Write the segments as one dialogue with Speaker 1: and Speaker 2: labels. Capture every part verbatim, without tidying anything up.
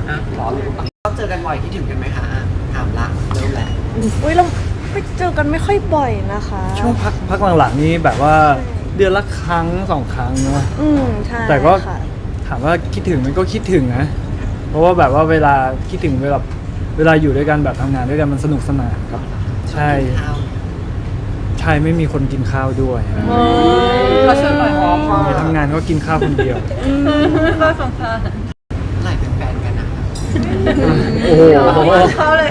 Speaker 1: อ่ะรอรู้เราเจอกันบ่อยคิดถึงกันไหมคะถามละเริ่มแล้ว
Speaker 2: อุ้ยเราไม่เจอกันไม่ค่อยบ่อยนะคะ
Speaker 3: ช่วงพักพักหลังๆนี้แบบว่าเดือนละครั้งสองครั้งเนาะ
Speaker 2: อืมใช่
Speaker 3: แต่ก็ถามว่าคิดถึงมันก็คิดถึงนะเพราะว่าแบบว่าเวลาคิดถึงเวลาเวลาอยู่ด้วยกันแบบทำงานด้วยกันมันสนุกสนานครับใช่ใช่ไม่มีคนกินข้าวด้วย
Speaker 2: เราชวนหน่อยอ๋อ
Speaker 3: ไปทำงานก็กินข้าวคนเดียว
Speaker 2: ก็สงสาร
Speaker 1: ไหลเป็นแฟนกันนะ
Speaker 3: โอ้โห
Speaker 2: เขาเลย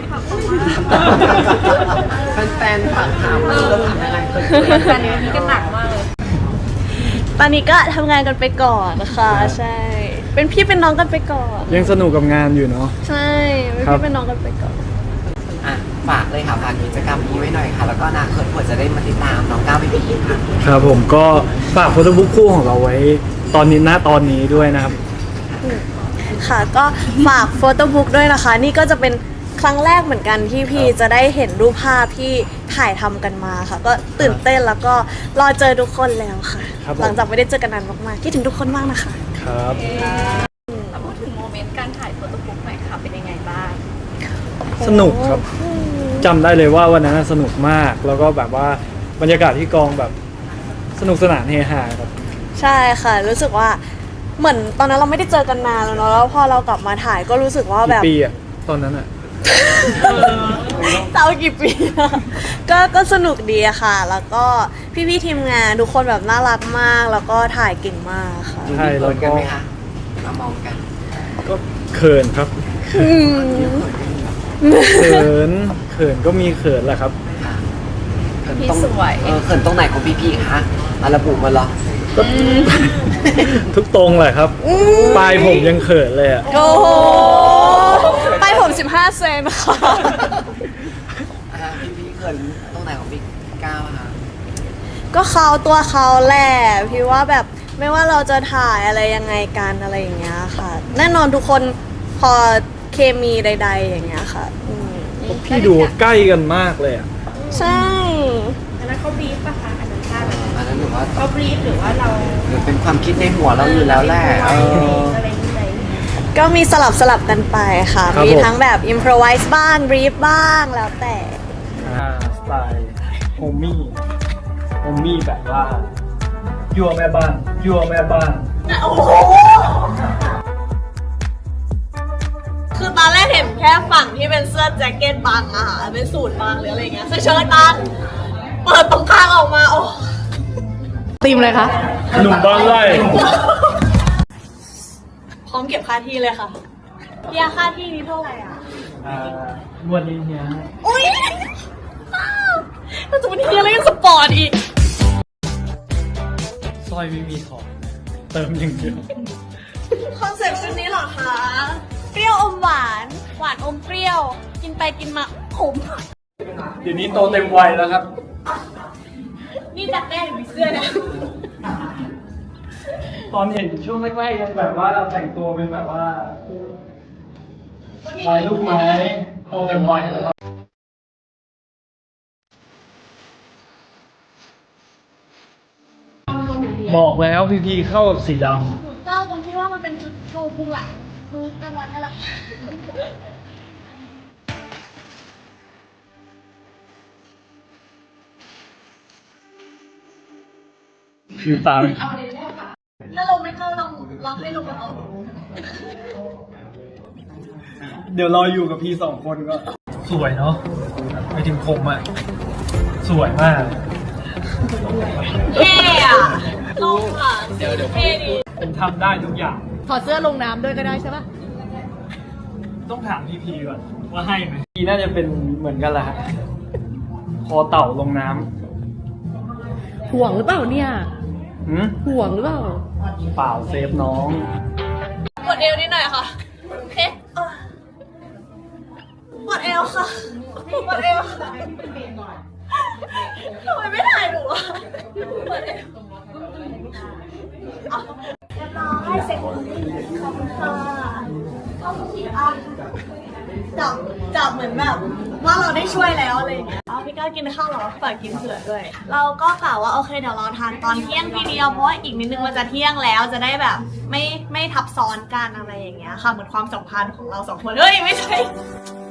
Speaker 1: แฟนๆถามถามเราทำยังไง
Speaker 2: ตอนนี้มีกันหนักมากเลยตอนนี้ก็ทำงานกันไปก่อนนะคะใช่เป็นพี่เป็นน้องกันไปก่อน
Speaker 3: ยังสนุกกับงานอยู่เนาะ
Speaker 2: ใช่เป็นพี่เป็นน้องกันไปก่อน
Speaker 1: อ่ะฝากเลยค่ะฝากกิจกรรมนี้ไว้หน่อยค่ะแล้วก็อนาคตเผื่อจะได้มาติดตามน้องก้าวไปอีกค่ะ
Speaker 3: ครับผมก็ฝากโฟโต้บุ๊กคู่ของเราไว้ตอนนี้ณตอนนี้ด้วยนะครับ
Speaker 2: ค่ะก็ฝากโฟโต้บุ๊กด้วยนะคะนี่ก็จะเป็นครั้งแรกเหมือนกันที่พี่จะได้เห็นรูปภาพที่ถ่ายทำกันมาค่ะก็ตื่นเต้นแล้วก็รอเจอทุกคนแล้วค่ะหลังจากไม่ได้เจอกันนานมากๆคิดถึงทุกคนมากนะคะ
Speaker 3: ครับ
Speaker 2: พูดถึงโมเมนต์การถ่ายโฟโต้บุ๊กหน่อยค่ะเป็นยังไงบ้าง
Speaker 3: สนุกครับจำได้เลยว่าวันนั้นสนุกมากแล้วก็แบบว่าบรรยากาศที่กองแบบสนุกสนานเฮฮาครับ
Speaker 2: ใช่ค่ะรู้สึกว่าเหมือนตอนนั้นเราไม่ได้เจอกันนานแล้วเนาะแล้วพอเรากลับมาถ่ายก็รู้สึกว่าแบบ
Speaker 3: กี่ปีอะตอนนั้นอะ
Speaker 2: เจ้ากี่ปีก็ก็สนุกดีอะค่ะแล้วก็พี่ๆทีมงานทุกคนแบบน่ารักมากแล้วก็ถ่ายเก่งมากค่ะ
Speaker 1: ใช่แล้วก็มามองกัน
Speaker 3: ก็เขินครับเขินเขินก็มีเขินแหละครับ
Speaker 1: พี่สวยเออเขินตรงไหนของพี่ๆคะมาระบุมาหรอ
Speaker 3: ทุกตรงเลยครับปลายผมยังเขินเลยอ่ะ
Speaker 2: โอ้โหปลายผมสิบห้าเซนค่ะ
Speaker 1: พี่ๆเขินตรงไหนของพี่ก้าวคะ
Speaker 2: ก็เขาตัวเขาแหละพี่ว่าแบบไม่ว่าเราจะถ่ายอะไรยังไงกันอะไรอย่างเงี้ยค่ะแน่นอนทุกคนพอเคมีใดๆอย่างเงี้ยค่ะ
Speaker 3: พี่ดูใกล้กันมากเลยอ่ะ
Speaker 2: ใช่
Speaker 4: อันนั้นเขาบีฟป่ะคะอันนั้นใช่
Speaker 1: อันนั้นหรือว่า
Speaker 4: เขาบีฟหรือว่าเรา
Speaker 1: หรือเป็นความคิดในหัวเราอยู่แล้วแหละ
Speaker 4: อะไรนี่ไหม
Speaker 2: ก็มีสลับสลับกันไปค่ะมีทั้งแบบอิมพรไวส์บ้างบีฟบ้างแล้วแต่
Speaker 3: สไตล์โฮมี่โฮมี่แบบว่ายัวแม่บ้านยัวแม่บ้าน
Speaker 2: โอ้โหคือตอนแรกเห็นแค่ฝั่งที่เป็นเสื้อแจ็คเก็ตบางอะค่ะเป็นสูทบางหรืออะไรเงี้ยเสื้อเชิ้ตบางเปิดตรงข้างออกมาโอ้ตีมเลยคะ
Speaker 3: หนุ่มบ้านไร่
Speaker 2: พร้อมเก็บค่าที่เลยค่ะเฮียค่าที่นี้เท่าไหร่อ่ะ
Speaker 3: อ่าวันนี้เฮีย
Speaker 2: อุ้ยถ้าจะวันนี้เฮียอะไรก็สปอร์ตอีก
Speaker 3: สร้อยไม่มีถอดเติมอย่างเดียว
Speaker 2: คอนเซ็ปต์ชุดนี้เหรอคะเปรี้ยวอมหวานหวานอมเปรี้ยวกินไปกินมาขม
Speaker 3: เดี๋ยวนี้โตเต็มวัยแล้วครับ
Speaker 2: นี่จัดแน่หรือเสื้อเนี่ย
Speaker 3: ตอนเห็นช่วงแรกๆยังแบบว่าเราแต่งตัวเป็นแบบว่าลายลูกไม้โตเต็มวัยแล้วบอกแล้วพีพีเข้ากับสีดำ
Speaker 2: เจ้าตรงที่ว่ามันเป็นชุดโชว์พุงหลังคือกลางวันนั่นแหละ
Speaker 3: ฟิวตา
Speaker 2: ถ้าลงไม่เข้าลองลองให้ลงเอา
Speaker 3: เดี๋ยวรออยู่กับพี่สองคนก็สวยเนาะไปถึงผมอ่ะสวยมาก
Speaker 2: เท่อะลงอ่ะเดี๋ยวเดี๋ยวเท่ดี
Speaker 3: ผมทำได้ทุกอย่าง
Speaker 2: ถอดเสื้อลงน้ำด้วยก็ได้ใช่ปะ
Speaker 3: ต้องถามพี่พีก่อนว่าให้ไหมพีน่าจะเป็นเหมือนกันแหละคอเต่าลงน้
Speaker 4: ำห่วงหรือเปล่าเนี่ยห่วงหรือเปล่า
Speaker 3: เปล่าเซฟน้อง
Speaker 2: ปวดเอวนิดหน่อยค่ะเฮ้ปวดเอวค่ะปวดเอวทำไมไม่ถ่ายหนูอ่ะปวดเอวเรียบร้อยเสร็จขอบคุณค่ะขอบคุณค่ะจับจับเหมือนแบบว่าเราได้ช่วยแล้วอะไรอย่างเงี้ยอ๋อพี่ก้าวกินข้าวเหรอฝากกินเผื่อด้วย เราก็กล่าวว่าโอเคเดี๋ยวเราทานตอนเที่ยงทีเดียวเพราะว่าอีกนิดนึงมันจะเที่ยงแล้วจะได้แบบไม่ไม่ทับซ้อนกันอะไรอย่างเงี้ยค่ะเหมือนความสัมพันธ์ของเราสองคนเฮ้ยไม่ใช่